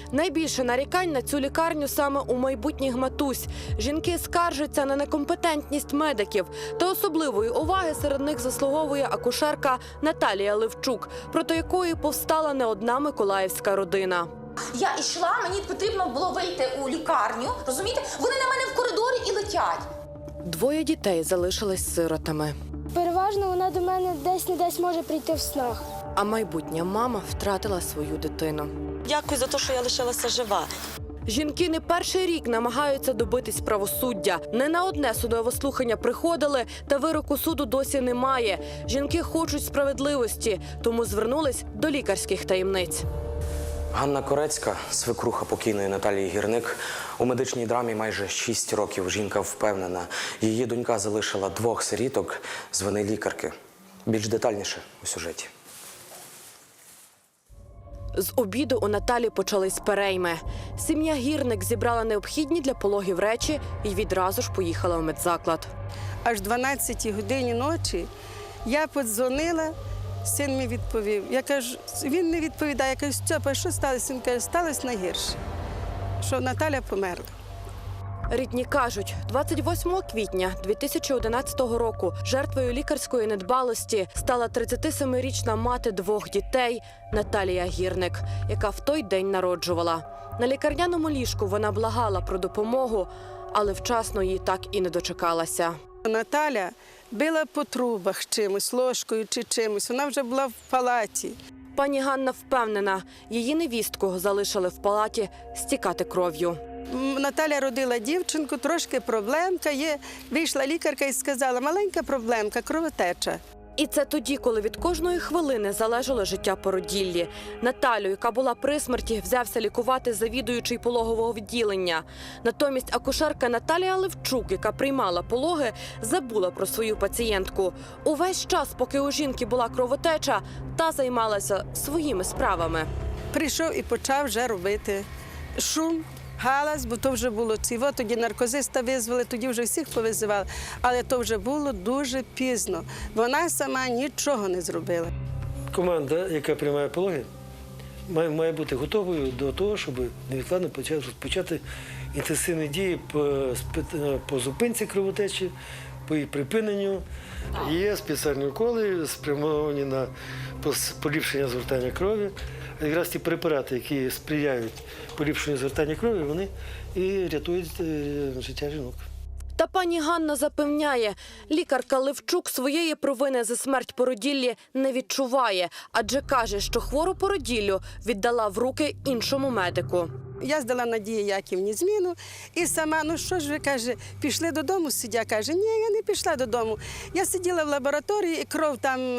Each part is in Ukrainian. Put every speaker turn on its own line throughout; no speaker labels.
Найбільше нарікань на цю лікарню саме у майбутніх матусь. Жінки скаржаться на некомпетентність медиків. Та особливої уваги серед них заслуговує акушерка Наталія Левчук, проти якої повстала не одна миколаївська родина.
Я йшла, мені потрібно було вийти у лікарню, розумієте? Вони на мене в коридорі і летять.
Двоє дітей залишились сиротами.
Переважно вона до мене десь може прийти в снах.
А майбутня мама втратила свою дитину.
Дякую за те, що я лишилася жива.
Жінки не перший рік намагаються добитись правосуддя. Не на одне судове слухання приходили, та вироку суду досі немає. Жінки хочуть справедливості, тому звернулись до лікарських таємниць.
Ганна Корецька, свекруха покійної Наталії Гірник, у медичній драмі майже 6 років. Жінка впевнена, її донька залишила 2 сиріток з вини лікарки. Більш детальніше у сюжеті.
З обіду у Наталі почались перейми. Сім'я Гірник зібрала необхідні для пологів речі і відразу ж поїхала в медзаклад.
Аж 12-й годині ночі я подзвонила, син мені відповів. Я кажу, він не відповідає. Я кажу, Стьопа, що сталося? Він каже, сталося найгірше, що Наталя померла.
Рідні кажуть, 28 квітня 2011 року жертвою лікарської недбалості стала 37-річна мати 2 дітей Наталія Гірник, яка в той день народжувала. На лікарняному ліжку вона благала про допомогу, але вчасно її так і не дочекалася.
Наталя била по трубах чимось, ложкою чи чимось. Вона вже була в палаті.
Пані Ганна впевнена, її невістку залишили в палаті стікати кров'ю.
Наталя родила дівчинку, трошки проблемка є. Вийшла лікарка і сказала, маленька проблемка, кровотеча.
І це тоді, коли від кожної хвилини залежало життя породіллі. Наталю, яка була при смерті, взявся лікувати завідуючий пологового відділення. Натомість акушерка Наталія Левчук, яка приймала пологи, забула про свою пацієнтку. Увесь час, поки у жінки була кровотеча, та займалася своїми справами.
Прийшов і почав вже робити шум, галас, бо то вже було ціво. Тоді наркозиста визвали, тоді вже всіх повизивали. Але то вже було дуже пізно. Вона сама нічого не зробила.
Команда, яка приймає пологи, має бути готовою до того, щоб невідкладно почати інтенсивні дії по зупинці кровотечі, по її припиненню. Є спеціальні уколи, спрямовані на поліпшення згортання крові. Якраз ті препарати, які сприяють поліпшенню згортання крові, вони і рятують життя жінок.
Та пані Ганна запевняє, лікарка Левчук своєї провини за смерть породіллі не відчуває, адже каже, що хвору породіллю віддала в руки іншому медику.
Я здала Надії Яківні зміну і сама, ну що ж ви, каже, пішли додому, сидя, каже, ні, я не пішла додому. Я сиділа в лабораторії і кров там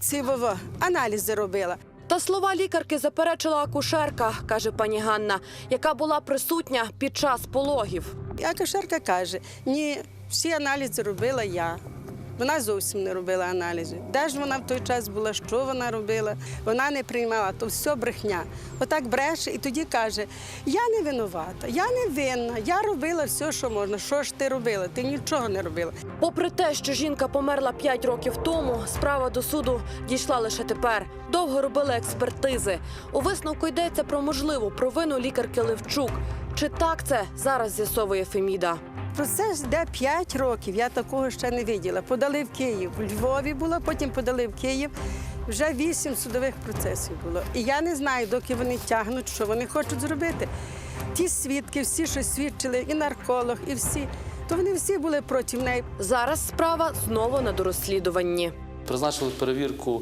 аналізи робила.
Та слова лікарки заперечила акушерка, каже пані Ганна, яка була присутня під час пологів.
І акушерка каже, ні, всі аналізи робила я. Вона зовсім не робила аналізи. Де ж вона в той час була, що вона робила? Вона не приймала, то все брехня. Отак бреше і тоді каже, я не винувата, я не винна, я робила все, що можна. Що ж ти робила? Ти нічого не робила.
Попри те, що жінка померла 5 років тому, справа до суду дійшла лише тепер. Довго робили експертизи. У висновку йдеться про можливу провину лікарки Левчук. Чи так це, зараз з'ясовує Феміда.
Процес йде 5 років, я такого ще не бачила. Подали в Київ, у Львові було, потім подали в Київ. Вже 8 судових процесів було. І я не знаю, доки вони тягнуть, що вони хочуть зробити. Ті свідки, всі, що свідчили, і нарколог, і всі, то вони всі були проти неї.
Зараз справа знову на дорозслідуванні.
Призначили перевірку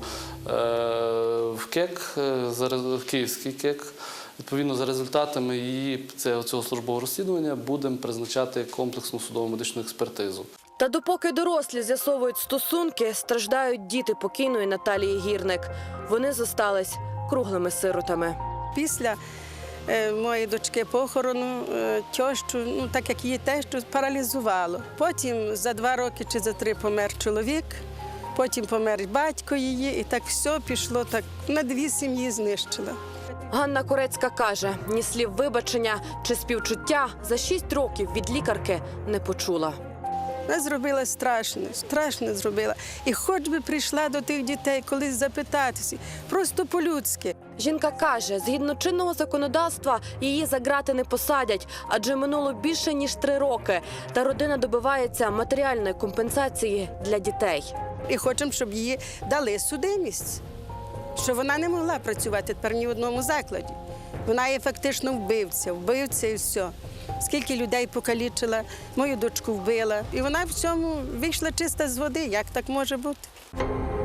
в КЕК, в Київський КЕК. Відповідно, за результатами цього службового розслідування будемо призначати комплексну судово-медичну експертизу.
Та допоки дорослі з'ясовують стосунки, страждають діти покійної Наталії Гірник. Вони зостались круглими сиротами.
Після моєї дочки похорону тещу, так як її тещу, паралізувало. Потім за 2 роки чи за 3 помер чоловік, потім помер батько її, і так все пішло, так на 2 сім'ї знищила.
Ганна Корецька каже, ні слів вибачення чи співчуття за 6 років від лікарки не почула.
Вона зробила страшно зробила. І хоч би прийшла до тих дітей колись запитатися, просто по-людськи.
Жінка каже, згідно чинного законодавства, її за ґрати не посадять, адже минуло більше ніж 3 роки. Та родина добивається матеріальної компенсації для дітей.
І хочемо, щоб їй дали судимість, що вона не могла працювати тепер ні в одному закладі. Вона є фактично вбивця і все. Скільки людей покалічила, мою дочку вбила. І вона в цьому вийшла чиста з води. Як так може бути?